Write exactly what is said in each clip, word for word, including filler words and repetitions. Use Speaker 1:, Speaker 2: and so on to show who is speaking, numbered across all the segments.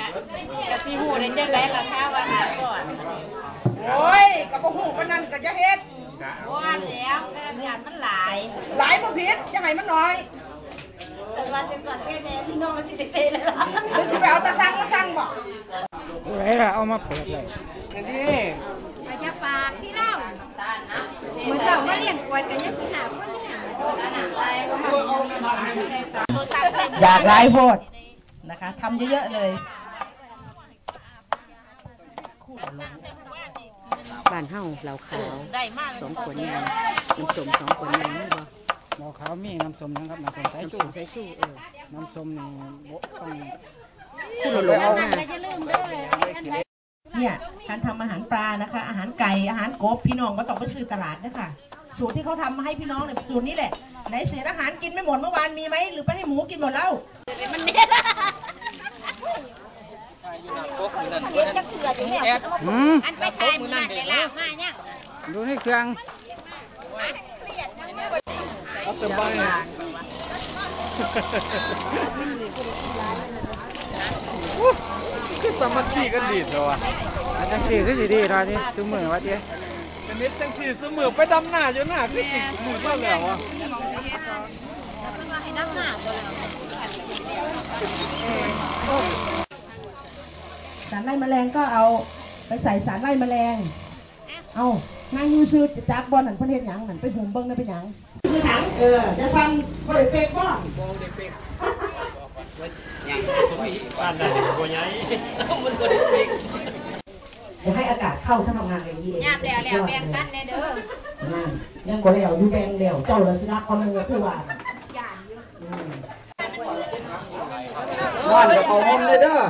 Speaker 1: กะสิหูได้จังได๋ล่ะคะว่าหาสอน
Speaker 2: โอ้ยกระบอกหูปนั่นก็จะเฮ็ด
Speaker 1: บ่อันแล้วกระยานมันหลาย
Speaker 2: หลายบ่ผิดยังไงมันน้อย
Speaker 1: แต่วันเป็นก่อนแค่แน่พี่น้องมันสิเตะเลยล่ะ
Speaker 2: หรือสิไปเอาตาสั่งมาสั่งบ่
Speaker 3: ไรล่ะเอามาเปิดเลย
Speaker 2: นี่
Speaker 1: อาจจะปากที่เล่าเหมือนเจ้ามาเลี้ยงกวนกันยังสิหาคนที่หา
Speaker 2: อยากไล่โพดนะคะทำเยอะๆเลย
Speaker 4: บ้านเฮาเหล่าขาวสองขวดยางน้ำส้มสองขวดยางนี่บ่
Speaker 3: เหล่าขาวมีน้ำส้มนะครับน้ำส้มสายชู
Speaker 4: สายชูเออ
Speaker 3: น้ำส้มนี่ต้อง
Speaker 4: ผู้หลงเอาหน้า
Speaker 2: เนี่ยการทำอาหารปลานะคะอาหารไก่อาหารกบพี่น้องก็ต้องไปซื้อตลาดนะคะสูตรที่เขาทำมาให้พี่น้องเนี่ยสูตรนี้แหละไหนเศษอาหารกินไม่หมดเมื่อวานมีไหมหรือไปให้หมูกินหมดแล้วมันเนี่ยเรียนจะเกลืออยู่เนี่ยอันไปถ่ายมือนั่นเลยล่ะมาเนี่ย
Speaker 3: ดูนี่เครื่อง
Speaker 5: เอาแต่ใบคือสามัคคีกันดีตัว
Speaker 3: อันจังสี่คือดีๆตอนนี้ซื้อมือวะเจ๊
Speaker 5: เป็นนิดจังสี่ซื้อมือไปดำหน้าอยู่หน้าคืออีกมือก็แล้วอ่ะ
Speaker 2: สารไล่แมลงก็เอาไปใส่สารไล่แมลงเอานางยูซื้อจากบอลนั่นเพื่อนเห็นหยังนั่นไปหุ่มเบิ้งได้เป็นหยังคือถังเออจะสั่นบริเวณบ้าน
Speaker 5: บ้านไหนบัวใหญ่มันบริเวณ
Speaker 2: จะให้อากาศเข้าถ้าทำงานอย่างนี้เอง
Speaker 1: ยาบแล้วแล้วแบ่งกันเด้อ
Speaker 2: ยังก็แล้วอยู่แบ่งแล้วเจ้าละสิรักคนนึงก็คือว่า
Speaker 5: บ้านจะเอาห้องเลยเด้อ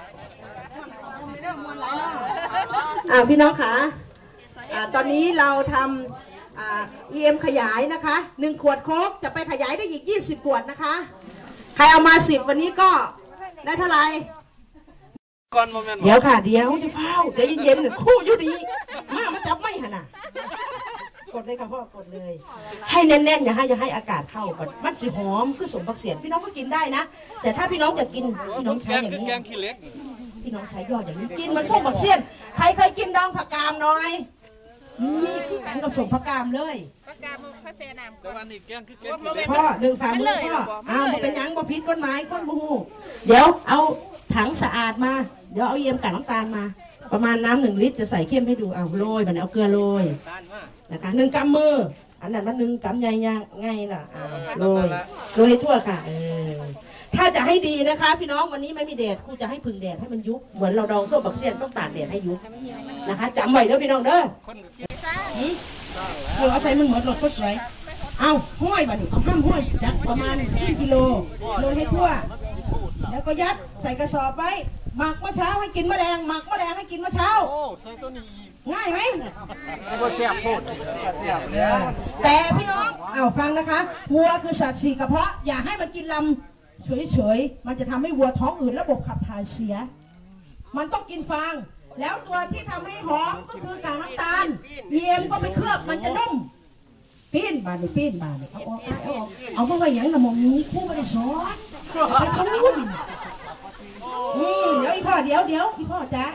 Speaker 2: อ่าพี่น้องคะอ่าตอนนี้เราทำอ่า อี เอ็ม ขยายนะคะหนึ่งขวดโค้กจะไปขยายได้อีกยี่สิบขวดนะคะใครเอามาสิบวันนี้ก็ได้เท่าไหร่เดี๋ยวค่ะเดี๋ยวจะเฝ้าใจเย็นๆคู่อยู่ดีมามันจับไม่หันน่ะกดเลยค่ะพ่อกดเลยให้แน่นๆอย่าให้อย่าให้อากาศเข้าก่อนมันสิหอมคือสมบักเสียนพี่น้องก็กินได้นะแต่ถ้าพี่น้องจะกินพี่น้องใช้อย่างนี้พี่น้องใช้ยอดอย่างนี้กินมันส้มบักเสียนใครเคยกินดองผักกามหน่อยนี่คือกันกับสมผักกามเลย
Speaker 1: ผักกามพระเสนาม
Speaker 5: แต่วันนี้แกงคือแกงขี้เล็ก
Speaker 2: พ่อหนึ่งฝ่ามือพ่ออ้าวเป็นยังบ่พิษก้นไม้ก้นมูเดี๋ยวเอาถังสะอาดมาเดี๋ยวเอาเยี่ยมกับน้ำตาลมาประมาณน้ำหนึ่งลิตรจะใส่เข้มให้ดูเอาโรยมันเอาเกลือโรยนะคะหนึ่งกำมืออันนั้นมันหนึ่งกำใหญ่ยังไงล่ะโรยโรยให้ทั่วค่ะเออถ้าจะให้ดีนะคะพี่น้องวันนี้ไม่มีแดดครูจะให้พึ่งแดดให้มันยุบเหมือนเราดองส้มบักเซียนต้องตากแดดให้ยุบนะคะจำไว้เด้อพี่น้องเด้อเออเอาใส่มันหมดหลดก็สวยเอาห้อยมาดิเอาห้ามห้อยจัดประมาณครึ่งกิโลโรยให้ทั่วแล้วก็ยัดใส่กระสอบไว้หมักเมื่อเช้าให้กินแมลงหมักแมลงให้กินเมื่อเช้าง่ายไหม
Speaker 5: ก็เสียบโคตรเสียบ
Speaker 2: แต่พี่น้องเอาฟังนะคะวัวคือสัตว์สี่กระเพาะอย่าให้มันกินลำเฉยๆมันจะทำให้วัวท้องอืดระบบขับถ่ายเสียมันต้องกินฟางแล้วตัวที่ทำให้หอมก็คือกากน้ำตาลเยี่ยมก็ไปเคลือบมันจะนุ่มปีนบานนี่ปีนบานนี่เอาออกเอาออกเอาเพราะว่าอย่างละมองนี้คู่ไม่ได้สอนไปเขาลุ่มอืมเดี๋ยวอีพ่อเดี๋ยวเดี๋ยวอีพ่อจ้า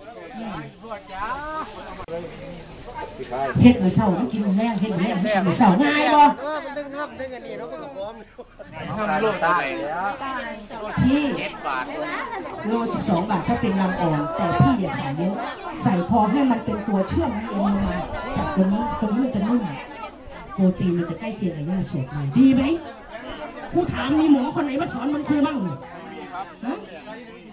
Speaker 2: เฮ็ดมือเสาต้องกินมือแรงเฮ็ดมือแรงมือเสาง่ายบ่ที่โลสิบสองบาทถ้าเป็นลำอ่อนแต่พี่อย่าใส่เยอะใส่พอให้มันเป็นตัวเชื่อมให้เอ็มมาจากตัวนี้ตัวนี้มันจะนุ่มโปรตีนมันจะใกล้เคียงกับหญ้าสดเลยดีไหมผู้ถามมีหมอคนไหนมาสอนมันครูบ้างฮะ